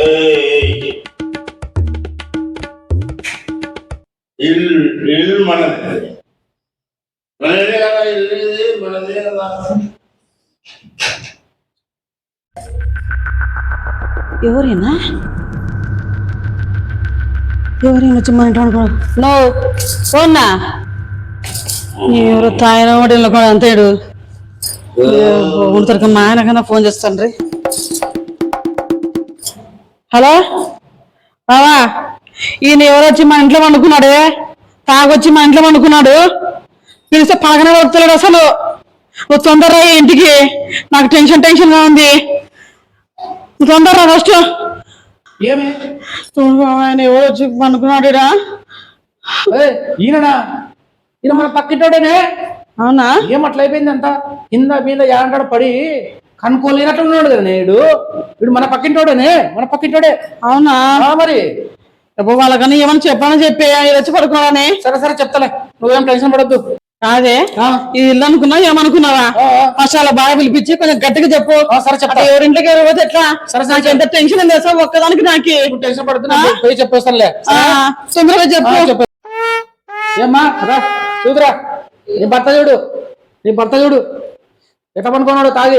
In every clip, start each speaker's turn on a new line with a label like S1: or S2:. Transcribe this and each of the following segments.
S1: ఇల్లు మనది మనదే కదా, ఇల్లు ఇది మనదే కదా.
S2: ఎవరైనా వచ్చి మన ఇంట్లో అనుకో నువ్వు పోన్నా ఎవరు తాయిన వాటిల్లో కూడా అంతేడు ఉంటారు. మా ఆయన కన్నా ఫోన్ చేస్తాను రీ. హలో బావా, ఈయన ఎవరు వచ్చి మా ఇంట్లో వండుకున్నాడే, తాగొచ్చి మా ఇంట్లో వండుకున్నాడు. పిలిస్తే పలకనే వస్తున్నాడు. అసలు నువ్వు తొందరరా ఇంటికి, నాకు టెన్షన్గా ఉంది. నువ్వు తొందరరా ఫస్ట్. ఆయన ఎవరు వచ్చి వండుకున్నాడు.
S3: ఈయననా? ఈయన మన పక్కింటోడేనే.
S2: అవునా?
S3: ఏమట్లా అయిపోయింది అంతా కింద మీద ఏడంటాడు పడి కనుక్కోలేనట్టు ఉన్నాడు కదా నేడు. వీడు మన పక్కింటోడేనే, మన పక్కింటోడే.
S2: అవునా?
S3: మరి
S2: వాళ్ళకన్నా ఏమన్నా చెప్పాలని చెప్పి వచ్చి పడుకున్నాడని.
S3: సరే సరే చెప్తాలే, నువ్వేం టెన్షన్ పడద్దు.
S2: కాదే ఇది ఇల్లు అనుకున్నావు ఏమనుకున్నావా? ఫస్ట్ అలా బాగా పిలిపించి కొంచెం గట్టిగా చెప్పు. సరే చెప్తా. ఎవరింటికి ఎవరిపోతే ఎట్లా? సరే నాకు ఎంత టెన్షన్ ఉంది సార్ ఒక్కదానికి. నాకు
S3: టెన్షన్ పడుతున్నా, పోయి చెప్పేస్తానులే.
S2: తొందరగా చెప్పు.
S3: ఏమ్మా రా చూదురా, నీ భర్త చూడు, నీ భర్త చూడు ఎట్లా పనుకున్నాడు తాగి.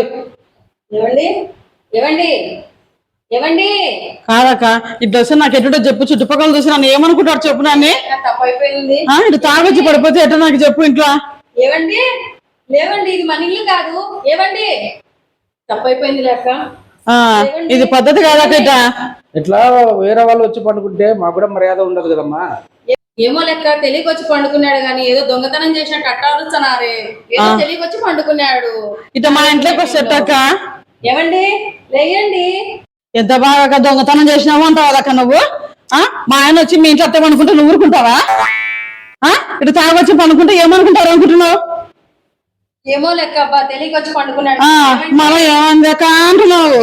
S2: కాదక్క ఈ డ్రెస్ నాకు ఎటుడో చెప్పు. చుట్టుపక్కల చూసి నన్ను ఏమనుకుంటాడు చెప్పు. నన్ను ఇటు తాగొచ్చి పడిపోతే ఎట్లా నాకు చెప్పు. ఇంట్లో
S4: ఏవండి లేవండి, ఇది మన ఇల్లు కాదు. ఏవండి తప్పైపోయింది లేక
S2: ఇది పద్ధతి కాదక్క.
S3: ఇట్లా వేరే వాళ్ళు వచ్చి పండుకుంటే మాకు కూడా మర్యాద ఉండదు కదమ్మా.
S4: ఏమో లెక్క తెలియకొచ్చి పండుకున్నాడు గాని ఏదో దొంగతనం చేసినట్టు అట్టాడుస్తున్నారే. ఏదో తెలియకొచ్చి పండుకున్నాడు.
S2: ఇట మా ఇంట్లోకి వస్తేక్క.
S4: ఏవండి లేయండి.
S2: ఎంత బాగా దొంగతనం చేసినావు అంటావు అక్క నువ్వు. మా ఆయన వచ్చి మీ ఇంట్లో అత్తే పనుకుంటే నువ్వు ఊరుకుంటావా? ఇటు తాగొచ్చి పనుకుంటే ఏమనుకుంటారు అనుకుంటున్నావు?
S4: ఏమో లెక్క అబ్బా తెలియకొచ్చి పండుకున్నాడు.
S2: మనం ఏమందక అంటున్నావు.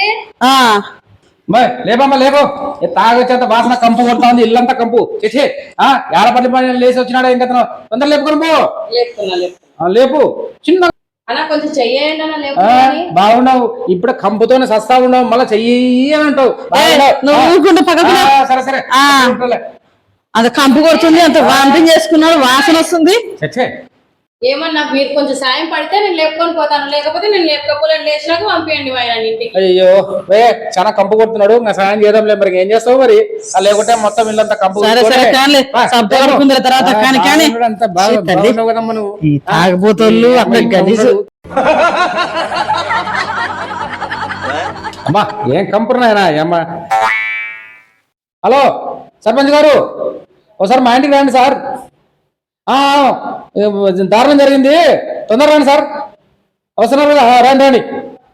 S3: లేపమ్మా లేపో. తాగొచ్చేంత వాసన కంపు కొడతా ఉంది, ఇల్లంతా కంపు. చేసే ఏడపల్లి పని లేచి వచ్చినాడా ఇంకా తొందర లేపుకొని పో. లేపు చిన్న
S4: కొంచెం చెయ్యండి.
S3: బాగున్నావు ఇప్పుడు కంపుతోనే సస్తా ఉన్నావు, మళ్ళీ చెయ్యి అని అంటావు. సరే సరే
S2: అంత కంపు కొడుతుంది, అంత వాంతింగ్ చేసుకున్నాడు, వాసన వస్తుంది.
S4: ఏమన్నా మీరు కొంచెం సాయం పడితే నేను లేపుకొని పోతాను, లేకపోతే నేను లేపకపోలేను. లేచినాక పంపించండి ఆయన ఇంటికి.
S3: అయ్యో చాలా కంపు కొడుతున్నాడు, ఇంకా సాయం చేద్దాంలే. మరి ఏం చేస్తావు మరి? లేకుంటే మొత్తం ఇల్లంతా కంపు.
S2: తాగబోతోళ్ళు
S3: అమ్మా ఏం కంపున్నాయనా అమ్మా. హలో సర్పంచ్ గారు, ఒకసారి మా ఇంటికి రండి సార్. దారుణం జరిగింది, తొందరగా రండి సార్. అవసరం రండి రండి.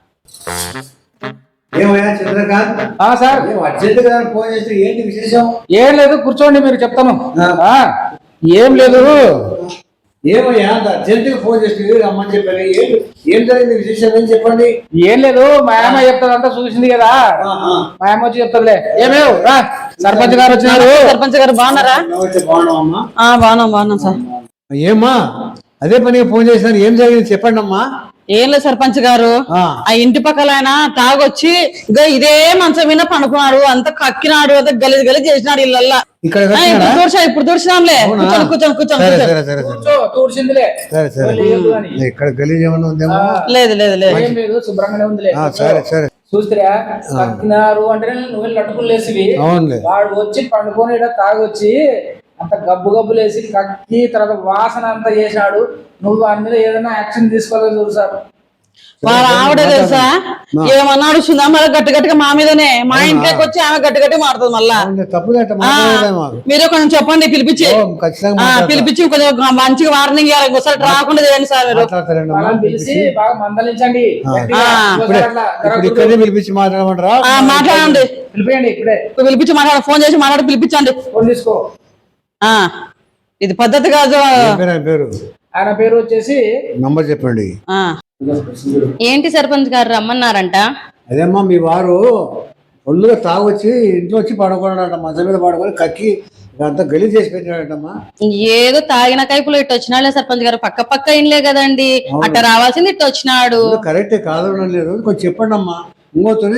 S3: సార్ ఏం లేదు, కూర్చోండి మీరు చెప్తాను. ఏం లేదు,
S1: ఏమయ్యా అర్జెంటుగా ఫోన్ చేసి రమ్మని చెప్పాను. ఏం జరిగింది విశేషం ఏం చెప్పండి.
S3: ఏం లేదు, మా అమ్మ చెప్తాది, అంతా చూసింది కదా. మా అమ్మ వచ్చి చెప్తాదిలే. ఏమేవ్ రా, సర్పంచ్ గారు వచ్చినారు.
S2: సర్పంచ్ గారు బాగున్నారా? బాగున్నాం సార్.
S1: ఏమ్మా అదే పనిగా ఫోన్ చేసినారు, ఏం జరిగింది చెప్పండి అమ్మా.
S2: ఏం లేదు సర్పంచ్ గారు, ఆ ఇంటి పక్కల ఆయన తాగొచ్చి ఇదే మంచం మీద పనుకున్నాడు, అంత కక్కినాడు, అంత గలీజ్ చేసినాడు ఇళ్ళల్లా. ఇప్పుడు దూర్చినాంలే. లేదు లేదు
S3: లేదు శుభ్రంగానే ఉందిలే. చూస్తారా కక్కినారు అంటే నువ్వు లట్టుకులు లేసివి. వాడు వచ్చి పండుకొని తాగొచ్చి అంత గబ్బులేసి కక్కి తర్వాత వాసన అంతా చేశాడు. నువ్వు వారి మీద ఏదైనా యాక్షన్ తీసుకోవాలని చూడు సార్.
S2: వాళ్ళ ఆవిడ తెలుసా ఏమన్నాడు మళ్ళీ గట్టిగా మా మీదనే. మా ఇంట్లోకి వచ్చి ఆమె గట్టి మారుతుంది మళ్ళా. మీరు కొంచెం చెప్పండి, పిలిపించి కొంచెం మంచిగా వార్నింగ్ ఇవ్వాలి, ఒకసారి రాకుండా చేయండి సార్. మీరు
S3: పిలిచి బాగా మందలించండి,
S1: పిలిపించి మాట్లాడమంటారా?
S2: మాట్లాడండి,
S3: పిలిపియండి. ఇప్పుడే
S2: పిలిపించి మాట్లాడ, ఫోన్ చేసి మాట్లాడి పిలిపించండి.
S3: ఫోన్ తీసుకో.
S2: ఇది పద్ధతి కాదు.
S3: ఆయన పేరు వచ్చేసి
S1: నంబర్ చెప్పండి.
S4: ఏంటి సర్పంచ్ గారు రమ్మన్నారంట?
S1: అదేమ్మా మీ వారు ఒళ్ళుగా తాగొచ్చి ఇంట్లో వచ్చి పడుకున్నాడంట, మంచం మీద పడుకొని కక్కి అంతా గలీజ్ చేసి పెట్టినాడంటమ్మా.
S4: ఏదో తాగిన కైపులో ఇట్టు వచ్చినాడే సర్పంచ్ గారు, పక్క ఇండ్లే కదండి, అట్ట రావాల్సింది ఇట్టు వచ్చినాడు.
S1: కరెక్టే కాదు లేదు, కొంచెం చెప్పండి అమ్మా. ఇంకోతోని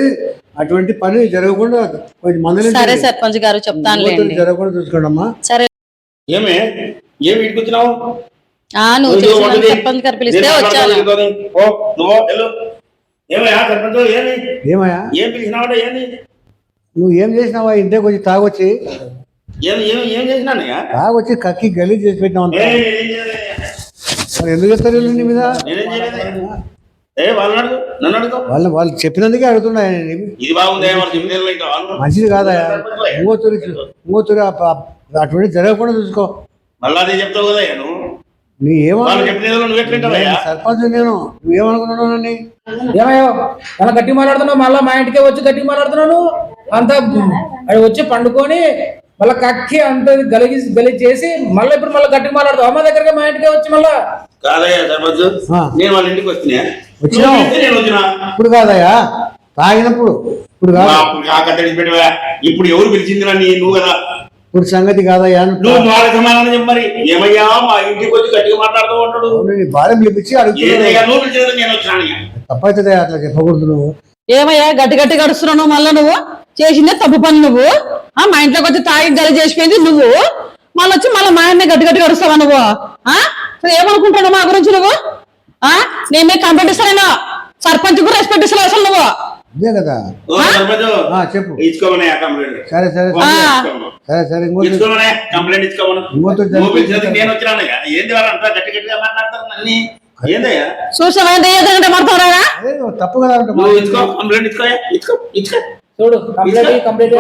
S1: అటువంటి పని జరగకుండా కొంచెం మందులు
S2: సరే సర్పంచ్ గారు చెప్తానులేండి.
S1: జరగకుండా చూసుకోండమ్మా.
S2: సరే
S5: ఏమి ఏమి ఇటుకు వచ్చినావు?
S2: నువ్వు చేసిన సర్పంచ్ గారు పిలిస్తే వచ్చాను.
S5: ఓ నువ్వు వెళ్ళు. ఏమయ్యా సర్పంచ్ ఏమి
S1: ఏమయ్యా
S5: ఏం పిలిచినావాడ ఏంది?
S1: నువ్వు ఏం చేసినావా? ఇంటే కొంచెం తాగొచ్చి
S5: ఏం ఏం ఏం చేసినానయ్యా?
S1: తాగొచ్చి కక్కి గలీజ్ చేసి పెట్టినావు అంత. మరి ఎందుకు చెప్తారు నీ మీద?
S5: నేనేం చేయలేదు. వాళ్ళని అడుగు, నన్ను అడుగు.
S1: వాళ్ళు చెప్పినందుకే అడుగుతున్నా.
S5: ఇది బాగుంది వాళ్ళు చెప్పిన ఇంకా
S1: మంచిది కాదా? ఇంకోతూరి అటువంటి జరగకుండా చూసుకో.
S5: మళ్ళా అదే చెప్తావు కదా నువ్వు.
S1: నీ
S5: వాళ్ళు చెప్పిన నువ్వు ఎట్లుంటావయ్యా?
S1: సర్పంచ్ నేను నువ్వేమనుకున్నావు నన్ను?
S3: ఏమయ్యో అలా గట్టి మాట్లాడుతున్నావు, మళ్ళీ మా ఇంటికే వచ్చి గట్టి మాట్లాడుతున్నాను. అంతా అది వచ్చి పండుకొని మళ్ళీ కక్కి అంత గలిగి చేసి మళ్ళీ ఇప్పుడు మళ్ళీ గట్టి మాట్లాడుతావు. అమ్మ దగ్గరగా మా ఇంటికే వచ్చి మళ్ళా
S5: కాదయ్యా సర్పంచ్, నేను వాళ్ళ ఇంటికి వస్తున్నా.
S1: వచ్చినా ఇప్పుడు కాదయ్యా, తాగినప్పుడు. ఇప్పుడు
S5: ఇప్పుడు ఎవరు పిలిచింది నన్ను? నువ్వు కదా.
S1: ఇప్పుడు సంగతి కాదయ్యా.
S5: నువ్వు వాళ్ళ సమాధానం చెప్పమరి. ఏమయ్యా మా ఇంటికి వచ్చి గట్టిగా మాట్లాడుతూ ఉంటాడు.
S1: భార్య పిలిపించి
S5: ఏదయ్యా నువ్వు పిలిచేది నేను వచ్చినాను.
S1: తప్పైతే అట్లా చెప్పకూడదు. నువ్వు
S2: ఏమయ్యా గట్టి గట్టి గడుస్తున్నావు? మళ్ళా నువ్వు చేసిందే తప్పు పని. నువ్వు మా ఇంట్లోకి వచ్చి తాగి గలి చేసిపోయింది నువ్వు. మళ్ళీ వచ్చి మళ్ళీ మా ఆయన గట్టి గట్టి గడుస్తావా నువ్వు? ఏమనుకుంటున్నావు మా గురించి నువ్వు? నేనే కంప్లైంట్ ఇస్తాను. సర్పంచ్ కూడా రెస్పెక్ట్ ఇస్తాను అసలు నువ్వు.
S1: అదే కదా చెప్పు.
S5: ఇచ్చుకోమనే కంప్లైంట్.
S1: సరే సరే సరే సరే
S5: ఇచ్చుకోమనే కంప్లైంట్ ఇచ్చుకోమను. నువ్వు పిలిచేది నేను వచ్చినాను. ఏంది వాళ్ళంతా గట్టి గట్టిగా మాట్లాడతారు నన్ను? ఏందయ్యా
S2: చూసావా మాట్లాడతారా?
S1: తప్పు కదా.
S5: నువ్వు ఇచ్చుకో కంప్లైంట్ ఇచ్చుకోయా. ఇచ్చుకో ఇచ్చుకో
S3: చూడు కంప్లీట్ కంప్లీట్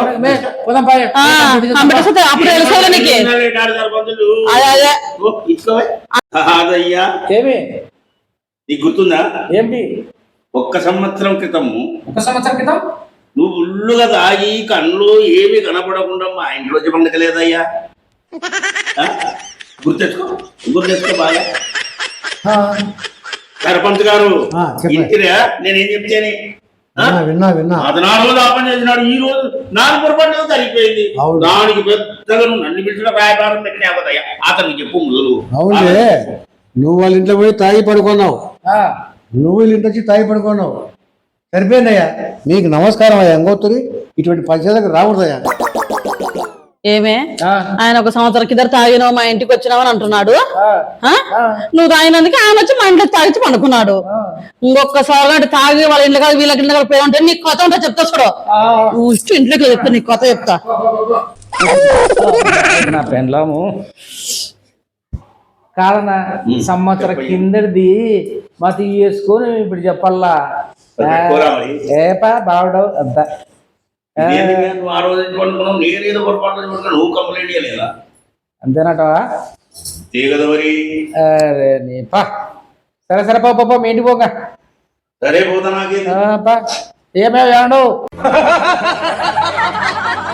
S2: అప్పుడు తెలుసుకోవాలి నీకు.
S5: అదయ్యా
S3: ఏమి
S5: నీకు గుర్తుందా?
S3: ఏంటి?
S5: ఒక్క సంవత్సరం క్రితము నువ్వు ఉల్లుగా తాగి కళ్ళు ఏమి కనపడకుండా మా ఇంట్లోకి పండగలేదయ్యా. గుర్తెచ్చుకో బాగా. సర్పంచ్ గారు ఇంటిరా నేనేం చెప్తాను?
S1: విన్నా
S5: అదనాడు లాభం చేసినాడు. ఈ రోజు నాకు పొరపాటు సరిపోయింది. దానికి పెద్దగా నువ్వు నన్ను పిలిచిన వ్యాపారం పెట్టినా కదయ్యా. అతనికి చెప్పు మొదలు.
S1: అవునులే, నువ్వు వాళ్ళ ఇంట్లో పోయి తాగి పడుకున్నావు. నువ్వు వీళ్ళ ఇంటి వచ్చి తాగి పడుకున్నావు. సరిపోయిందయ్యా. నీకు నమస్కారం అయ్యా. ఇంకోతురి ఇటువంటి పంచాయతీలకు రాకూడదయ్యా.
S2: ఏమే ఆయన ఒక సంవత్సరం కింద తాగినావు మా ఇంటికి వచ్చినావు అని అంటున్నాడు. నువ్వు తాగినందుకు ఆయన వచ్చి మా ఇంట్లో తాగిచ్చి పండుకున్నాడు. ఇంకొకసారి అంటే తాగి వాళ్ళ ఇంట్లో కాదు వీళ్ళకి ఇంట్లో పోయి ఉంటే నీకు కొత్త ఉంటే చెప్తా చూడు. నువ్వు ఇష్టం ఇంట్లోకి చెప్తా, నీకు కొత్త చెప్తా.
S3: నా పెండ్లాము కాదన్నా సంవత్సరం కిందది మా తీసుకొని ఇప్పుడు చెప్పల్లా. ఏపా బావడవు అంతా అంతేనటవా? అరే నీ పా. సరే సరే పాప మీ ఇంటికి పోగా.
S5: సరే పోతా నాకే
S3: ఏమేమి ఏమండవు